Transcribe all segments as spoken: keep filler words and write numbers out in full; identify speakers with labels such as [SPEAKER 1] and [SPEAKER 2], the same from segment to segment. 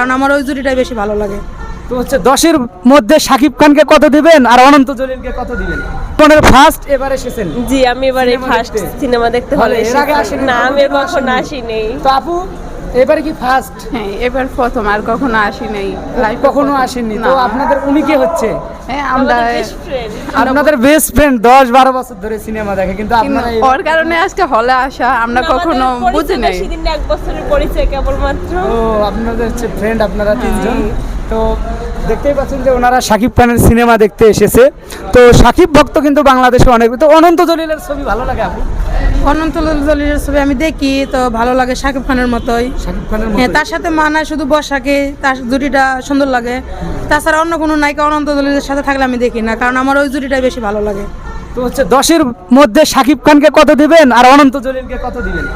[SPEAKER 1] কারণ আমার ওই জুটিটাই বেশি ভালো লাগে।
[SPEAKER 2] তো হচ্ছে দশের মধ্যে শাকিব খানকে কত দিবেন আর অনন্ত জলিলকে কত দিবেন? আপনার ফার্স্ট এবার এসেছেন?
[SPEAKER 3] জি, আমি এবারে ফার্স্ট সিনেমা দেখতে হলে
[SPEAKER 2] এর আগে আসেনি?
[SPEAKER 3] না, আমি কখনো আসিনি।
[SPEAKER 2] তো আপু এবারে কি ফার্স্ট?
[SPEAKER 4] হ্যাঁ, এবার প্রথম, আর কখনো আসি নাই, লাইফ
[SPEAKER 2] কখনো আসেননি। তো আপনাদের উনি কে হচ্ছে?
[SPEAKER 4] হ্যাঁ, আমরা
[SPEAKER 3] বেস্ট ফ্রেন্ড।
[SPEAKER 2] আপনাদের বেস্ট ফ্রেন্ড, দশ বারো বছর ধরে সিনেমা দেখে, কিন্তু আপনারা এই-
[SPEAKER 4] ওর কারণে আজকে হলে আসা, আমরা কখনো বুঝি নাই।
[SPEAKER 3] সেদিন এক বছরের পরিচয় কেবলমাত্র।
[SPEAKER 2] ও আপনাদের হচ্ছে ফ্রেন্ড, আপনারা তিনজন। তো দেখতেই পাচ্ছেন যে ওনারা শাকিব খানের সিনেমা দেখতে এসেছে। তো শাকিব ভক্ত কিন্তু বাংলাদেশে অনেক। তো অনন্ত জলিলের ছবি ভালো লাগে আপু?
[SPEAKER 1] অনন্ত জলিলের ছবি আমি দেখি তো ভালো লাগে, শাকিব খানের মতোই।
[SPEAKER 2] শাকিব খানের
[SPEAKER 1] হ্যাঁ,
[SPEAKER 2] মতো
[SPEAKER 1] তার সাথে মানায় শুধু বসাকে, তার জুটিটা সুন্দর লাগে। তাছাড়া অন্য কোনো নায়িকা অনন্ত জলিলের সাথে থাকলে আমি দেখি না, কারণ আমার ওই জুটিটাই বেশি ভালো লাগে।
[SPEAKER 2] তো হচ্ছে দশের মধ্যে শাকিব খানকে কত দিবেন আর অনন্ত জলিলকে কত দিবেন?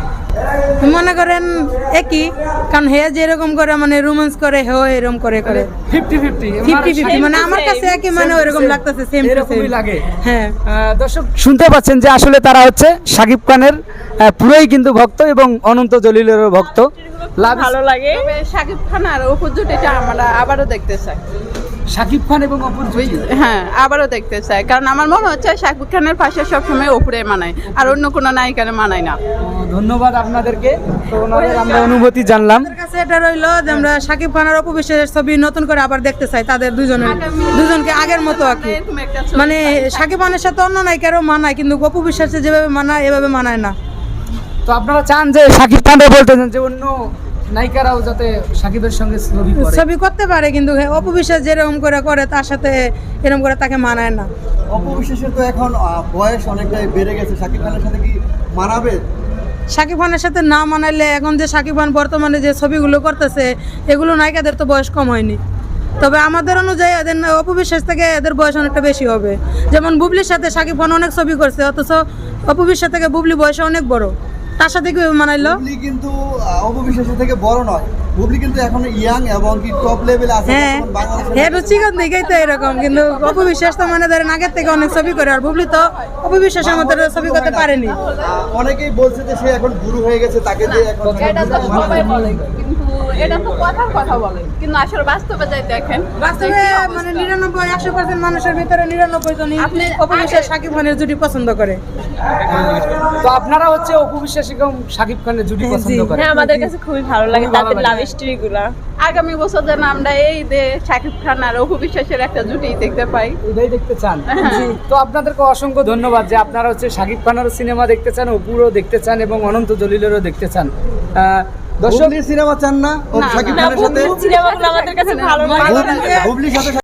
[SPEAKER 1] মনে করেন একই, কারণ হে যেরকম করে মানে রোমান্স করে, হেও এরকম করে করে
[SPEAKER 2] ফিফটি ফিফটি
[SPEAKER 1] ফিফটি ফিফটি মানে আমার কাছে একই, মানে ওইরকম লাগতেছে, সেম টু
[SPEAKER 2] এরকমই
[SPEAKER 1] সেম
[SPEAKER 2] লাগে।
[SPEAKER 1] হ্যাঁ,
[SPEAKER 2] আহ, দর্শক শুনতে পাচ্ছেন যে আসলে তারা হচ্ছে শাকিব খানের আহ, পুরোই কিন্তু ভক্ত এবং অনন্ত জলিলেরও ভক্ত। লাভ
[SPEAKER 3] ভালো লাগে।
[SPEAKER 4] তবে শাকিব খান আর অপুর জুটিটা আমরা আবারও দেখতে চাই।
[SPEAKER 2] শাকিব খান এবং অপুর জুটি।
[SPEAKER 4] হ্যাঁ, আবারও দেখতে চাই, কারণ আমার মনে হচ্ছে শাকিব খানের পাশে সবসময় অপুরে মানায়, আর অন্য কোনো নায়িকারে মানায় না।
[SPEAKER 2] ও, ধন্যবাদ আপনাদেরকে। তো ওনাদের আমরা অনুভূতি জানলাম।
[SPEAKER 1] আমাদের কাছে এটা রইলো যে আমরা শাকিব খান আর অপু বিশ্বাসের ছবি নতুন করে আবার দেখতে চাই, তাদের দুজনের দুজনকে আগের মতো আর কি।
[SPEAKER 4] এরকম একটা ছবি
[SPEAKER 1] মানে শাকিব খানের সাথে অন্য নায়িকারও মানায়, কিন্তু অপু বিশ্বাসের যেভাবে মানায় এভাবে মানায় না।
[SPEAKER 2] তো আপনারা চান যে শাকিব খানরা বলতেছেন যে অন্য নায়িকারাও যাতে শাকিবের সঙ্গে ছবি করে?
[SPEAKER 1] ছবি করতে পারে, কিন্তু হ্যাঁ, অপু বিশ্বাস যেরকম করে করে তার সাথে এরকম করে তাকে মানায় না।
[SPEAKER 5] অপু বিশ্বাসের তো এখন আহ, বয়স অনেকটাই বেড়ে গেছে, শাকিব খানের সাথে কি মানাবে?
[SPEAKER 1] শাকিব খানের সাথে না মানাইলে এখন যে শাকিব খান বর্তমানে যে ছবিগুলো করতেছে, এগুলো নায়িকাদের তো বয়স কম হয়নি। তবে আমাদের অনুযায়ী এদের অপু বিশ্বাস থেকে এদের বয়স অনেকটা বেশি হবে। যেমন বুবলির সাথে শাকিব খান অনেক ছবি করছে, অথচ অপু বিশ্বাস থেকে বুবলি বয়স অনেক বড়, তার সাথে কি মানাইলো?
[SPEAKER 5] বুবলি কিন্তু আহ, অপু বিশ্বাসের থেকে বড় নয়, বুবলি কিন্তু এখন ইয়াং এবং কি টপ লেভেলে আছে
[SPEAKER 1] হ্যাঁ
[SPEAKER 5] বর্তমান বাংলাদেশের
[SPEAKER 1] হ্যাঁ, রুচিগত দিকেই তো এরকম, কিন্তু অপু বিশ্বাস তো মানে ধরেন আগের থেকে অনেক ছবি করে, আর বুবলি তো অপু বিশ্বাসের মতো ছবি করতে পারেনি।
[SPEAKER 5] আহ, অনেকেই বলছে যে সে এখন গুরু হয়ে গেছে, তাকে দিয়ে এখন
[SPEAKER 4] এটা তো সবাই বলে, কিন্তু এটা তো কথার কথা বলে, কিন্তু আসলে বাস্তবে যাই দেখেন,
[SPEAKER 1] বাস্তবে মানে নিরানব্বই একশো পার্সেন্ট মানুষের ভিতরে নিরানব্বই জনই
[SPEAKER 4] আপনি-
[SPEAKER 1] অপু বিশ্বাস শাকিব খানের জুটি পছন্দ করে।
[SPEAKER 2] তো আপনারা হচ্ছে অপু বিশ্বাস এবং শাকিব খানের জুটি পছন্দ করেন?
[SPEAKER 3] হ্যাঁ, আমাদের কাছে খুবই ভালো লাগে
[SPEAKER 2] খুবই ভালো
[SPEAKER 3] তাদের
[SPEAKER 2] লাগে।
[SPEAKER 3] লাভ স্টোরি গুলা।
[SPEAKER 4] আগামী বছর যেন আমরা এই যে শাকিব খান আর অপু বিশ্বাসের একটা জুটি দেখতে পাই।
[SPEAKER 2] এটাই দেখতে চান? জি। তো আপনাদেরকে অসংখ্য ধন্যবাদ যে আপনারা হচ্ছে শাকিব খানেরও সিনেমা দেখতে চান, অপুরও দেখতে চান এবং অনন্ত জলিলেরও দেখতে চান। আহ, দর্শক
[SPEAKER 5] বুবলির সিনেমা চান না? ও
[SPEAKER 4] না,
[SPEAKER 5] শাকিব
[SPEAKER 3] না,
[SPEAKER 5] খানের সাথে
[SPEAKER 3] বুবলির সিনেমাগুলো আমাদের কাছে ভালো লাগে।
[SPEAKER 5] বুবলি- বুবলির সাথে